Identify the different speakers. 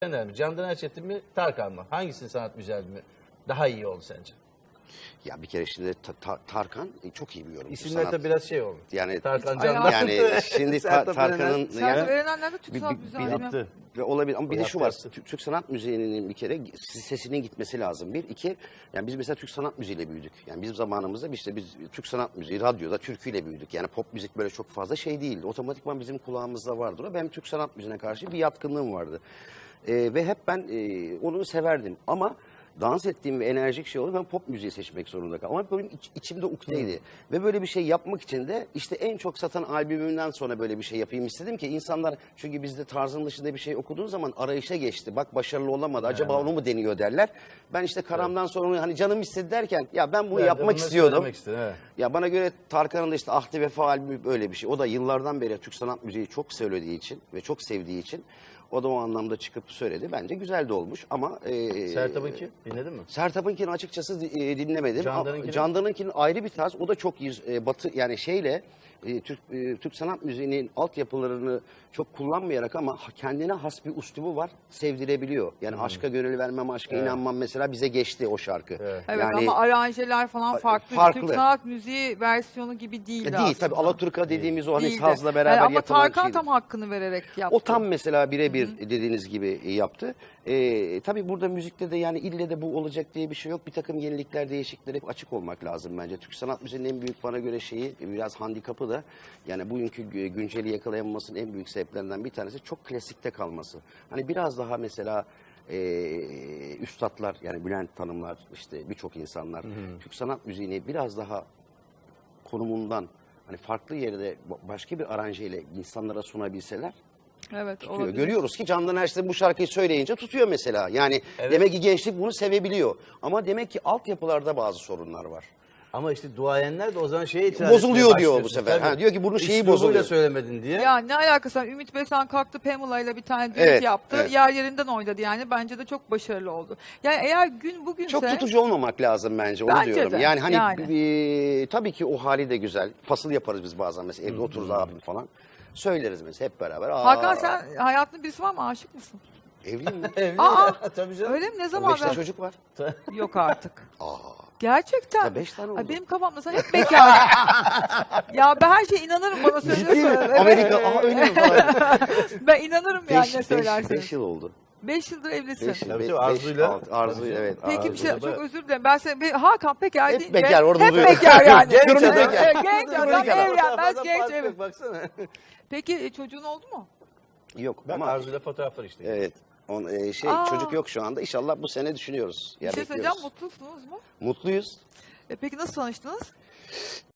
Speaker 1: mi? Candan Erçetin mi? Tarkan mı? Hangisinin sanat müziği mi daha iyi oldu sence?
Speaker 2: Ya bir kere şimdi Tarkan çok iyi bir yorumcu.
Speaker 1: İsimler de biraz şey oldu.
Speaker 2: Yani
Speaker 1: Tarkan Candan.
Speaker 2: yani şimdi Tarkan'ın
Speaker 3: Sertab Erener'le de Türk sanat müziği
Speaker 1: yaptı.
Speaker 2: ve olabilir ama bir de şu var.
Speaker 1: Yaptı.
Speaker 2: Türk sanat müziğinin bir kere sesinin gitmesi lazım. Bir, iki, yani biz mesela Türk sanat müziğiyle büyüdük. Yani bizim zamanımızda işte biz Türk sanat müziği, radyoda türküyle büyüdük. Yani pop müzik böyle çok fazla şey değildi. Otomatikman bizim kulağımızda vardı o. Benim Türk sanat müziğine karşı bir yatkınlığım vardı. Ve hep ben onu severdim. Ama dans ettiğim ve enerjik şey oldu. Ben pop müziği seçmek zorunda kaldım. Ama benim içimde ukteydi. Ve böyle bir şey yapmak için de işte en çok satan albümümden sonra böyle bir şey yapayım istedim ki insanlar, çünkü bizde tarzın dışında bir şey okuduğun zaman arayışa geçti. Bak başarılı olamadı. Acaba onu mu deniyor derler. Ben işte Karam'dan sonra onu hani canım istedi derken ya ben bunu yapmak istiyordum.
Speaker 1: Evet.
Speaker 2: Ya bana göre Tarkan'ın da işte Ahdi Vefa albümü böyle bir şey. O da yıllardan beri Türk sanat müziği çok söylediği için ve çok sevdiği için o da o anlamda çıkıp söyledi. Bence güzel de olmuş ama...
Speaker 1: Sertab'ınki dinledin mi?
Speaker 2: Sertab'ınkini açıkçası dinlemedim.
Speaker 1: Candan'ınkini?
Speaker 2: Candan'ınkinin ayrı bir tarz. O da çok batı yani şeyle Türk sanat müziğinin altyapılarını çok kullanmayarak ama kendine has bir üslubu var. Sevdirebiliyor. Yani aşka gönül vermem, aşka inanmam mesela bize geçti o şarkı.
Speaker 1: Evet.
Speaker 3: Evet
Speaker 2: Yani,
Speaker 3: ama aranjeler falan farklı.
Speaker 2: farklı.
Speaker 3: Türk sanat müziği versiyonu gibi değil aslında.
Speaker 2: değil tabii, Alaturka dediğimiz o hani
Speaker 3: Değildi.
Speaker 2: sazla beraber
Speaker 3: Yani ama
Speaker 2: yapılan
Speaker 3: Tarkan
Speaker 2: şeydi.
Speaker 3: tam hakkını vererek yaptı.
Speaker 2: O tam mesela birebir dediğiniz gibi yaptı. Tabii burada müzikte de yani ille de bu olacak diye bir şey yok. Bir takım yenilikler, değişiklikler hep açık olmak lazım bence. Türk sanat müziğinin en büyük bana göre şeyi, biraz handikapı da yani bugünkü günceli yakalayamamasının en büyük sebeplerinden bir tanesi çok klasikte kalması. Hani biraz daha mesela üstadlar yani Bülent Hanımlar işte birçok insanlar Türk sanat müziğini biraz daha konumundan hani farklı yerde başka bir aranjeyle insanlara sunabilseler
Speaker 3: Evet,
Speaker 2: tutuyor.
Speaker 3: olabilir.
Speaker 2: Görüyoruz ki Candan Erçetin bu şarkıyı söyleyince tutuyor mesela. Yani demek ki gençlik bunu sevebiliyor. Ama demek ki altyapılarda bazı sorunlar var.
Speaker 1: Ama işte duayenler de o zaman şeye itiraz
Speaker 2: Bozuluyor
Speaker 1: etmeye
Speaker 2: diyor bu
Speaker 1: başlıyorsun.
Speaker 2: sefer.
Speaker 1: Tabii.
Speaker 2: Ha, diyor ki bunun şeyi
Speaker 1: Üslubuyla
Speaker 2: bozuluyor.
Speaker 1: söylemedin diye.
Speaker 3: Ya ne alakası var? Ümit Besen kalktı Pamela ile bir tane düet
Speaker 2: Evet,
Speaker 3: yaptı.
Speaker 2: evet.
Speaker 3: Yer yerinden oynadı yani. Bence de çok başarılı oldu. Yani eğer gün bugünse...
Speaker 2: Çok tutucu olmamak lazım bence, onu
Speaker 3: Bence
Speaker 2: diyorum.
Speaker 3: de,
Speaker 2: Yani hani
Speaker 3: yani.
Speaker 2: tabii ki o hali de güzel. Fasıl yaparız biz bazen mesela evde otururuz abim falan. Söyleriz mesela hep beraber.
Speaker 3: Hakan sen hayatında birisi var mı? Aşık mısın?
Speaker 2: Evliyim mi?
Speaker 1: Evli
Speaker 3: Aa,
Speaker 1: ya, tabii canım.
Speaker 3: Öyle mi? Ne zaman?
Speaker 2: 5 tane çocuk var.
Speaker 3: Yok artık.
Speaker 2: Aa,
Speaker 3: Gerçekten.
Speaker 2: ya 5 tane oldu.
Speaker 3: Ay benim kafamda sen hep bekar. Ya ben her şeye inanırım bana
Speaker 2: Ciddi mi?
Speaker 3: söylüyorsun. Evet.
Speaker 2: Amerika, öyle mi falan?
Speaker 3: Ben inanırım yani ne söylerseniz.
Speaker 2: 5 yıl oldu.
Speaker 3: 5 yıldır evlisin.
Speaker 1: Tabii tabii, Arzu'yla.
Speaker 2: Arzu'yla evet.
Speaker 3: Peki bir şey,
Speaker 1: Arzu'yla
Speaker 3: çok özür dilerim. Ben seni Hakan bekar
Speaker 2: Hep
Speaker 3: deyince
Speaker 2: bekar, orada
Speaker 3: hep
Speaker 2: duruyor.
Speaker 3: bekar yani.
Speaker 1: Genç
Speaker 2: Durumu
Speaker 1: adam.
Speaker 2: bekar.
Speaker 3: Genç adam evlenmez genç evet.
Speaker 1: Baksana.
Speaker 3: Peki çocuğun oldu mu?
Speaker 2: Yok
Speaker 1: Bak
Speaker 2: ama
Speaker 1: Arzu'yla fotoğraflar işte.
Speaker 2: evet.
Speaker 3: Aa.
Speaker 2: Çocuk yok şu anda. İnşallah bu sene düşünüyoruz.
Speaker 3: Bir
Speaker 2: Ya
Speaker 3: şey söyleyeceğim,
Speaker 2: bekliyoruz.
Speaker 3: mutlusunuz mu?
Speaker 2: Mutluyuz.
Speaker 3: Peki nasıl tanıştınız?